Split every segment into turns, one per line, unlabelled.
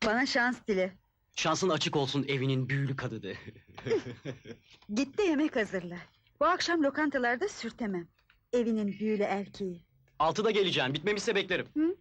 Bana şans dile.
Şansın açık olsun evinin büyülü kadıdı.
Git de yemek hazırla. Bu akşam lokantalarda sürtemem. Evinin büyülü erkeği.
6'da geleceğim, bitmemişse beklerim.
Hı?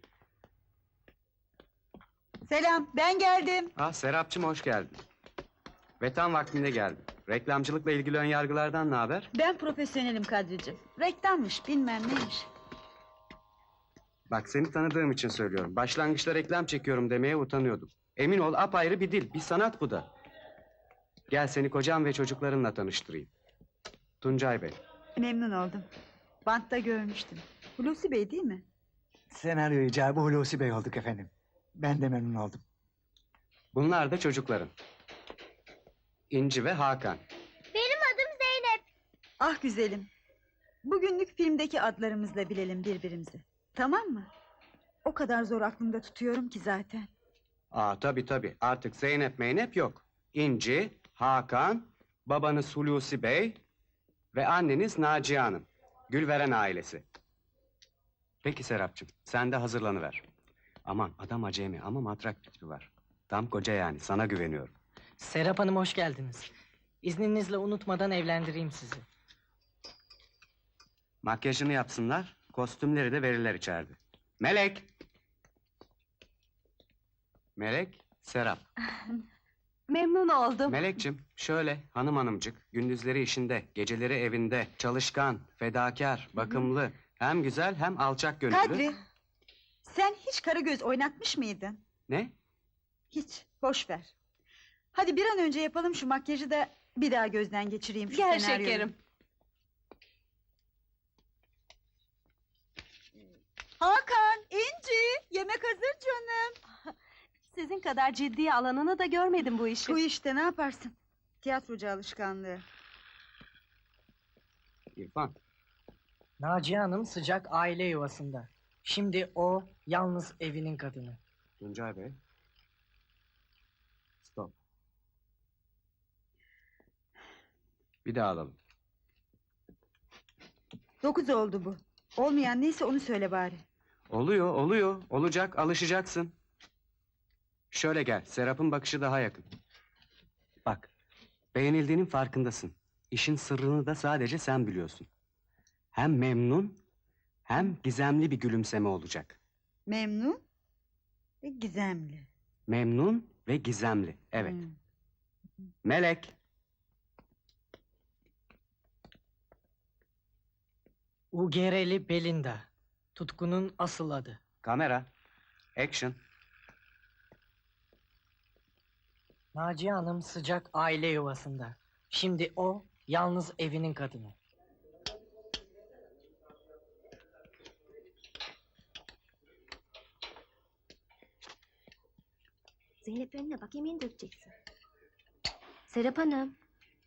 Selam, ben geldim.
Ah Serapcığım, hoş geldin. Ve tam vaktinde geldin. Reklamcılıkla ilgili önyargılardan ne haber?
Ben profesyonelim Kadrici. Reklammış, bilmem neymiş.
Bak, seni tanıdığım için söylüyorum. Başlangıçta reklam çekiyorum demeye utanıyordum. Emin ol, apayrı bir dil, bir sanat bu da. Gel seni kocam ve çocuklarınla tanıştırayım. Tuncay Bey.
Memnun oldum. Bantta görmüştüm. Hulusi Bey değil mi?
Senaryo icabı Hulusi Bey olduk efendim. Ben de memnun oldum.
Bunlar da çocukların. İnci ve Hakan.
Benim adım Zeynep.
Ah güzelim. Bugünlük filmdeki adlarımızla bilelim birbirimizi. Tamam mı? O kadar zor aklımda tutuyorum ki zaten.
Tabii. Artık Zeynep Meynep yok. İnci, Hakan, babanız Hulusi Bey ve anneniz Naciye Hanım. Gülveren ailesi. Peki Serapcığım, sen de hazırlanıver. Aman, adam acemi ama matrak bir tipi var. Tam koca yani, sana güveniyorum.
Serap Hanım hoş geldiniz. İzninizle unutmadan evlendireyim sizi.
Makyajını yapsınlar, kostümleri de verirler içeride. Melek! Melek, Serap.
Memnun oldum.
Melekçim, şöyle hanımcık, gündüzleri işinde, geceleri evinde, çalışkan, fedakar, bakımlı, hem güzel hem alçak gönüllü.
Kadri, sen hiç Karagöz oynatmış mıydın?
Ne?
Hiç, boş ver. Hadi bir an önce yapalım şu makyajı da bir daha gözden geçireyim şu
Gel
senaryoyu.
şekerim.
Hakan, İnci, yemek hazır canım.
Sizin kadar ciddiye alanını da görmedim bu işi.
Bu işte ne yaparsın? Tiyatrocu alışkanlığı.
İrfan,
Naciye Hanım sıcak aile yuvasında. Şimdi o yalnız evinin kadını.
Tuncay Bey. Stop. Bir daha alalım.
9 oldu bu. Olmayan neyse onu söyle bari.
Oluyor. Olacak, alışacaksın. Şöyle gel, Serap'ın bakışı daha yakın. Bak, beğenildiğinin farkındasın. İşin sırrını da sadece sen biliyorsun. Hem memnun, hem gizemli bir gülümseme olacak.
Memnun ve gizemli.
Memnun ve gizemli, evet. Melek.
Ugereli Belinda. Tutkunun asıl adı.
Kamera. Action.
Naciye Hanım sıcak aile yuvasında. Şimdi o yalnız evinin kadını.
Zeynep önüne bak, yemeğini dökeceksin. Serap Hanım.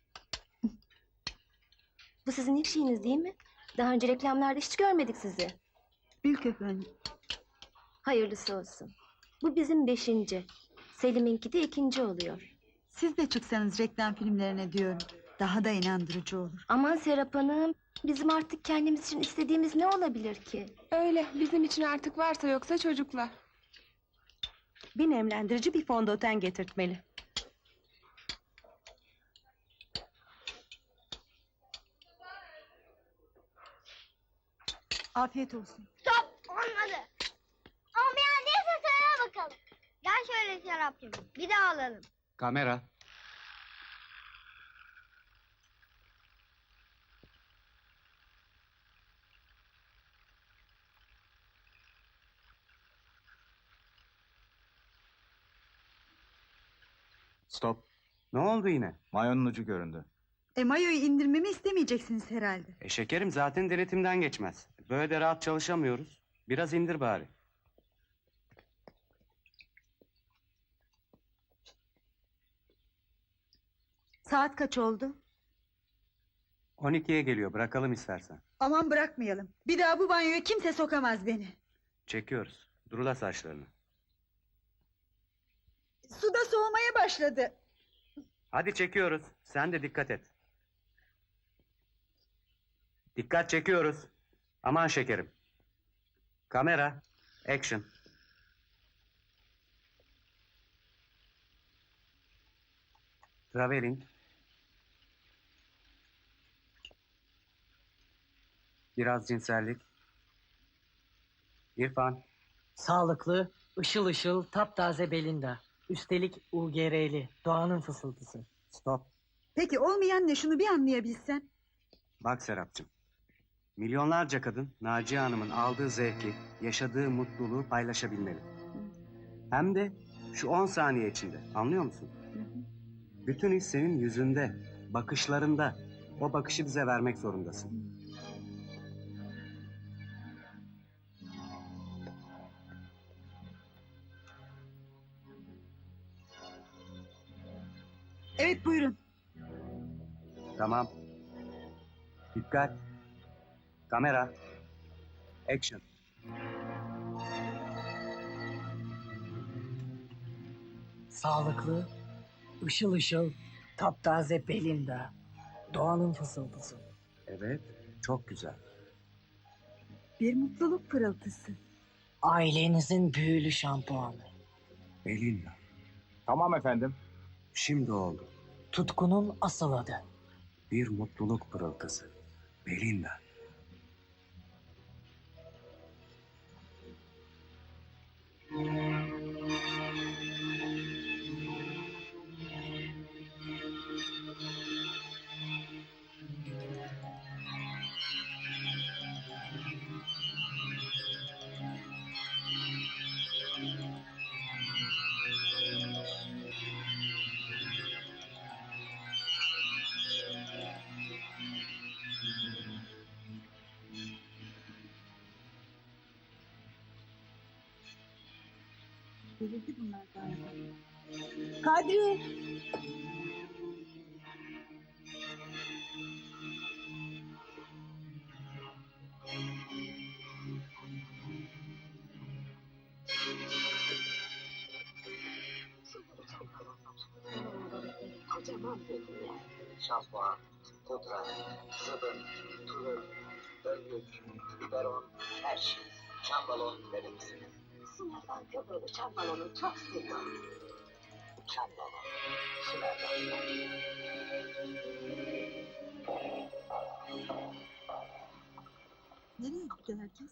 Bu sizin ilk şeyiniz değil mi? Daha önce reklamlarda hiç görmedik sizi.
Ülk efendim.
Hayırlısı olsun. Bu bizim 5. Selim'inki de 2. oluyor.
Siz de çıksanız reklam filmlerine diyorum. Daha da inandırıcı olur.
Aman Serap Hanım, bizim artık kendimiz için istediğimiz ne olabilir ki?
Öyle, bizim için artık varsa yoksa çocuklar. Bir nemlendirici, bir fondöten getirtmeli.
Afiyet olsun.
Stop! Olmadı. Olmayan neyse söyle bakalım. Gel şöyle Serapcığım. Bir daha alalım.
Kamera. Stop. Ne oldu yine?
Mayonun ucu göründü.
Mayoyu indirmemi istemeyeceksiniz herhalde.
Şekerim zaten denetimden geçmez. Böyle de rahat çalışamıyoruz. Biraz indir bari.
Saat kaç oldu?
12'ye geliyor, bırakalım istersen.
Aman bırakmayalım. Bir daha bu banyoya kimse sokamaz beni.
Çekiyoruz. Durula saçlarını.
Su da soğumaya başladı.
Hadi çekiyoruz. Sen de dikkat et. Dikkat, çekiyoruz. Aman şekerim. Kamera. Action. Traveling. Biraz cinsellik. İrfan.
Sağlıklı, ışıl ışıl, taptaze Belinda. Üstelik UGR'li, doğanın fısıltısı.
Stop.
Peki olmayan ne, şunu bir anlayabilsem.
Bak Serapcığım. Milyonlarca kadın Naciye Hanım'ın aldığı zevki, yaşadığı mutluluğu paylaşabilmeli. Hem de şu 10 saniye içinde. Anlıyor musun? Bütün his senin yüzünde, bakışlarında. O bakışı bize vermek zorundasın.
Evet, buyurun.
Tamam. Dikkat. Kamera. Action.
Sağlıklı, ışıl ışıl, taptaze Belinda. Doğanın fısıltısı.
Evet, çok güzel.
Bir mutluluk pırıltısı.
Ailenizin büyülü şampuanı.
Belinda.
Tamam efendim.
Şimdi oldu.
Tutkunun asıl adı.
Bir mutluluk pırıltısı. Belinda.
Delirdi bunlar galiba. Kadri!
Kocaman bölümler. Şampuan, pudra, sıvı, tulum, önlük, biberon, her şey. Çam balon verir misiniz? Sınırdan köpüğü çam balonu çok seviyorum. Çam balon. Sınırdan.
Nereye gitti herkes?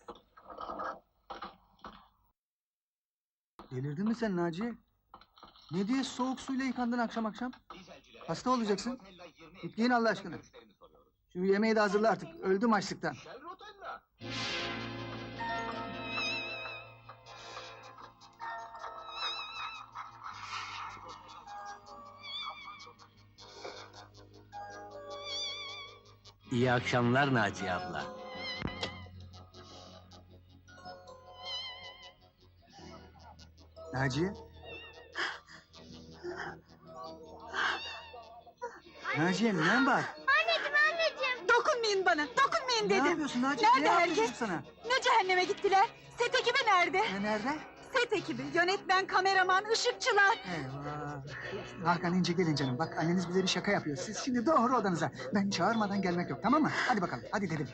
Delirdin mi sen Naciye? Ne diye soğuk suyla yıkandın akşam akşam? Hasta olacaksın. Gitmeyin Allah aşkına. Şu yemeği de hazırla artık. Öldüm açlıktan.
İyi akşamlar Naciye abla.
Naciye? Naciye ne var?
Anneciğim.
Dokunmayın bana, dokunmayın
Ne
dedim.
yapıyorsun Naciye?
Nerede
Ne yapıyorsun
herkes?
sana?
Ne cehenneme gittiler? Set ekibi nerede?
Nerede?
Set ekibi, yönetmen, kameraman, ışıkçılar.
Eyvah. Hakan İnce gelin canım. Bak anneniz bize bir şaka yapıyor. Siz şimdi doğru odanıza. Ben çağırmadan gelmek yok, tamam mı? Hadi bakalım. Hadi dedim.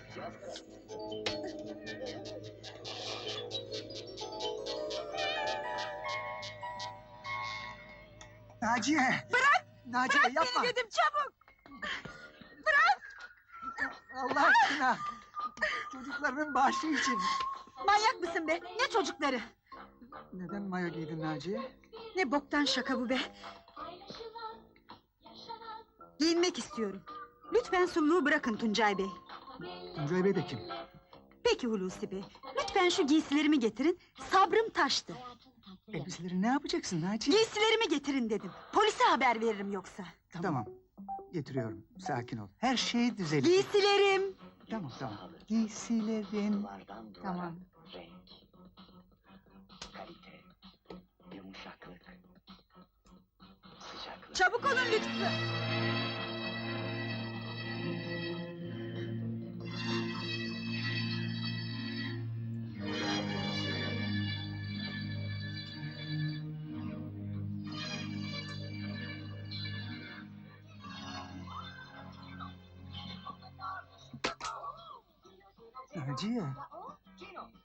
Naciye!
Bırak!
Naciye
Bırak
yapma!
beni dedim, çabuk!
Allah aşkına! Çocuklarının bağışı için.
Manyak mısın be? Ne çocukları?
Neden mayo giydin Naciye?
Ne boktan şaka bu be? Giyinmek istiyorum. Lütfen sulluğu bırakın Tuncay Bey.
Tuncay Bey de kim?
Peki Hulusi Bey, lütfen şu giysilerimi getirin. Sabrım taştı.
Elbiseleri ne yapacaksın Naciye?
Giysilerimi getirin dedim. Polise haber veririm yoksa.
Tamam. Getiriyorum. Sakin ol. Her şey düzelir.
Giysilerim.
Tamam tamam. Giysilerin. Tamam.
Renk, kalite, yumuşaklık, sıcaklık.
Çabuk olun lütfen.
Naciye.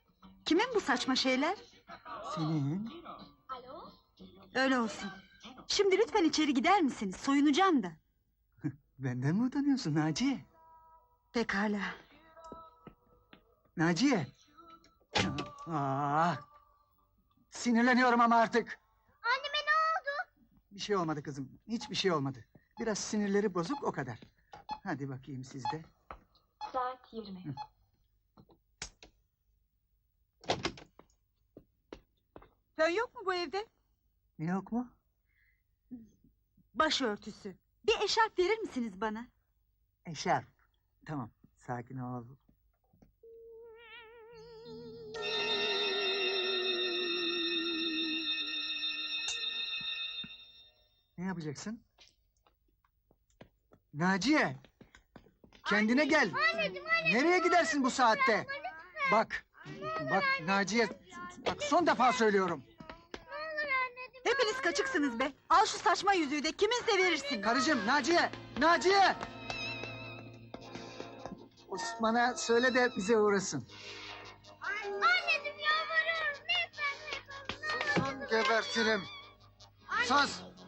Kimin bu saçma şeyler?
Senin.
Öyle olsun. Şimdi lütfen içeri gider misiniz? Soyunacağım da.
Benden mi utanıyorsun Naciye?
Pekala.
Naciye. Aa, sinirleniyorum ama artık.
Anneme ne oldu?
Bir şey olmadı kızım. Hiçbir şey olmadı. Biraz sinirleri bozuk o kadar. Hadi bakayım siz de.
Saat 20.
Fön yok mu bu evde?
Ne yok mu?
Başörtüsü. Bir eşarp verir misiniz bana?
Eşarp. Tamam, sakin ol. Ne yapacaksın? Naciye! Kendine gel. Nereye gidersin bu saatte? Bak, bak Naciye, bak son defa söylüyorum.
Hepiniz kaçıksınız be. Al şu saçma yüzüğü de kiminse verirsin.
Karıcığım, Naciye, Naciye! Osman'a söyle de bize uğrasın.
Anneciğim yalvarıyorum lütfen.
Sus, gebertirim. Sus!